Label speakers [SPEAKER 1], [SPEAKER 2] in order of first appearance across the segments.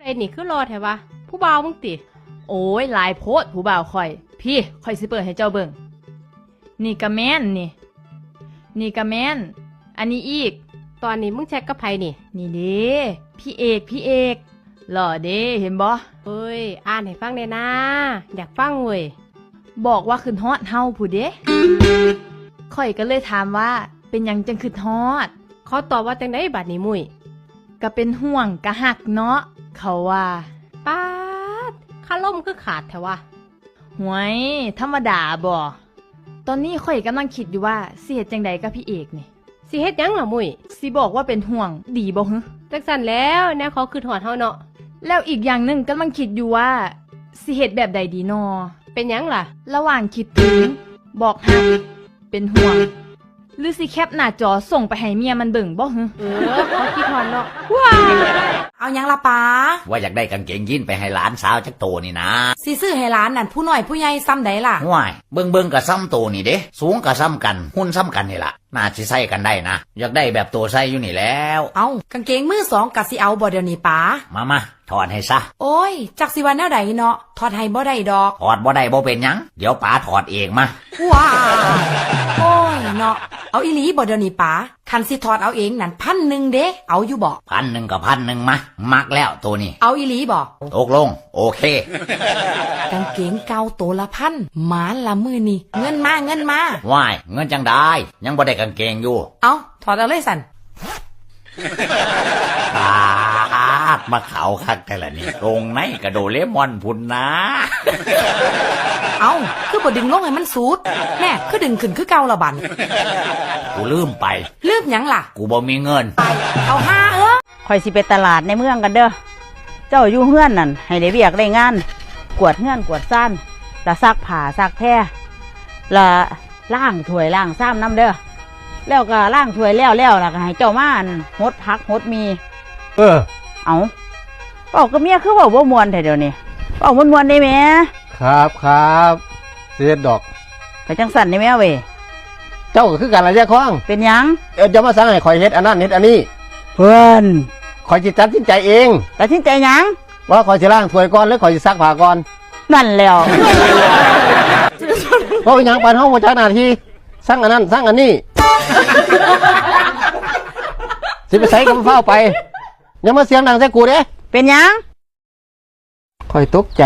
[SPEAKER 1] ไอ้นี่คือรอแถวะผู้บ่าวมึงติ
[SPEAKER 2] โอ้ยหลายโพดผู้บ่าวข่อยพี่ข่อยสิเปิดให้เจ้าเบิ่งนี่กะแม่นนี่กะแม่นอันนี้อีก
[SPEAKER 1] ตอนนี้มึงแช็กกับไผนี่
[SPEAKER 2] นี่เด้พี่เอกหล่อเด้เห็นบ่
[SPEAKER 1] เอ้ยอ่านให้ฟังได้นะอยากฟังเว้ย
[SPEAKER 2] บอกว่าขึ้นฮอดเฮาผู้เด้ข่อยก็เลยถามว่าเป็นหยังจังขึ้นฮอด
[SPEAKER 1] เขาตอบว่าจังได๋บัดนี้มุ้ย
[SPEAKER 2] ก็เป็นห่วงกะหักเนาะเขาว่า
[SPEAKER 1] ป๊าดคาล่มคือขาดแถวะ
[SPEAKER 2] หวยธรรมดาบ่ตอนนี้ข่อยกำลังคิดอยู่ว่าสิเฮ็ดจังใดกับพี่เอกนี่
[SPEAKER 1] สิเฮ็ดหยังล่ะมุ้ย
[SPEAKER 2] สิบอกว่าเป็นห่วงดีบ่ฮึ
[SPEAKER 1] จังซั่นแล้วแนวเขาคือถอดเฮาเนาะ
[SPEAKER 2] แล้วอีกอย่างหนึ่งกำลังคิดอยู่ว่าสิเฮ็ดแบบใดดีนอ
[SPEAKER 1] เป็นหยังล่ะ
[SPEAKER 2] ระหว่างคิดถึงบอกฮักเป็นห่วงหรือสิแคปหน้าจอส่งไปให้เมียมันเบิ่งบ่ฮึ
[SPEAKER 1] เขาคิดถอนเนาะ
[SPEAKER 3] ว้าเอาหยังล่ะป้า
[SPEAKER 4] ว่าอยากได้กางเกงยีนไปให้หลานสาวจักโตนี่นะ
[SPEAKER 3] สิซื้อให้หลานนั่นผู้น้อยผู้ใหญ่ซ้ำใดล่ะ
[SPEAKER 4] ห่วยเบิ่งก็ซ้ำโตนี่เด้สูงก็ซ้ำกันหุ่นซ้ำกันนี่ล่ะน่าสิใส่กันได้นะอยากได้แบบโตใส่อยู่นี่แล้ว
[SPEAKER 3] เอากางเกงมือสองกะสิเอาบ่เดี๋ยวนี้ป้า
[SPEAKER 4] มาถอดให้ซะ
[SPEAKER 3] โอ้ยจักสิว่าแนวใดเนาะถอดให้บ่ได้ดอก
[SPEAKER 4] ถอดบ่ได้บ่เป็นหยังเดี๋ยวป๋าถอดเองมา
[SPEAKER 3] ว้าโอ้ยเนาะเอาอีหลีบ่เดี๋ยวนี้ป้าคันสิถอดเอาเองนั่น1,000เด้เอาอยู่บ่
[SPEAKER 4] 1,000กับ1,000มามักแล้วตัวนี้
[SPEAKER 3] เอาอีหลีบ่
[SPEAKER 4] ตกลงโอเค
[SPEAKER 3] กางเกงเก่าตัวละ1,000หมาละมือนี่เงินมา
[SPEAKER 4] ว้ายเงินจังได้ยังบ่ได้กางเกงอยู่
[SPEAKER 3] เอาถอดเอาเลยสั่น
[SPEAKER 4] มาเขาคักแต่ละนี่ตรงไหนกระโดเลมอนพุ่นนะ
[SPEAKER 3] เอาคือบ่ดึงลงให้มันสูดแน่คือดึงขึ้นคือเก่าละบัน
[SPEAKER 4] กูลืมไป
[SPEAKER 3] ลืมหยังล่ะ
[SPEAKER 4] กูบ่มีเงิน
[SPEAKER 3] เอาห้า
[SPEAKER 5] ข่อยสิไปตลาดในเมืองกันเด้อเจ้าอยู่เฮือนนั่นให้ได้เวียกได้งานกวาดเฮือนกวาดซ่านละซักผ้าซักแพรละล้างถ้วยล้างซ้ำน้ำเด้อแล้วก็ล้างถ้วยแล้วล่ะก็ให้เจ้ามาหดผักหดมีเอาบอกกับเมียคือว่าบ่ม่วนแท้เดี๋ยวนี้บอกม่วนได้แหม
[SPEAKER 6] ครับเสียดอก
[SPEAKER 5] ไปจังสั่นได้แม่เว้ย
[SPEAKER 6] เจ้าก็คือกันละแยกข้อง
[SPEAKER 5] เป็นหยัง
[SPEAKER 6] จะมาสั่งให้ข่อยเฮ็ดอันนั้นเฮ็ดอันนี้
[SPEAKER 5] เพื่อน
[SPEAKER 6] ข่อยสิตัดสินใจเอง
[SPEAKER 5] ตัดสินใจหยัง
[SPEAKER 6] ว่าข่อยสิล้างถ้วยก่อนหรือข่อยสิซักผ้าก่อน
[SPEAKER 5] นั่นแล้ว
[SPEAKER 6] เพราะหยังปานเฮาบ่จักหน้าที่สั่งอันนั้นสั่งอันนี้สิไปใส่กับเฝ้าไปอย่ามาเสียงดังใส่กูเด้
[SPEAKER 5] เป็นหยัง
[SPEAKER 6] ข่อยตกใจ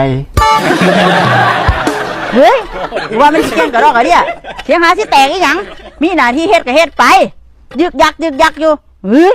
[SPEAKER 5] เฮ้ยว่ามันเสียงกระรอกอะเนี่ยเสียงหาสิแตกอีหยังมีหน้าที่เฮ็ดก็เฮ็ดไปยึกยักอยู่เฮ้ย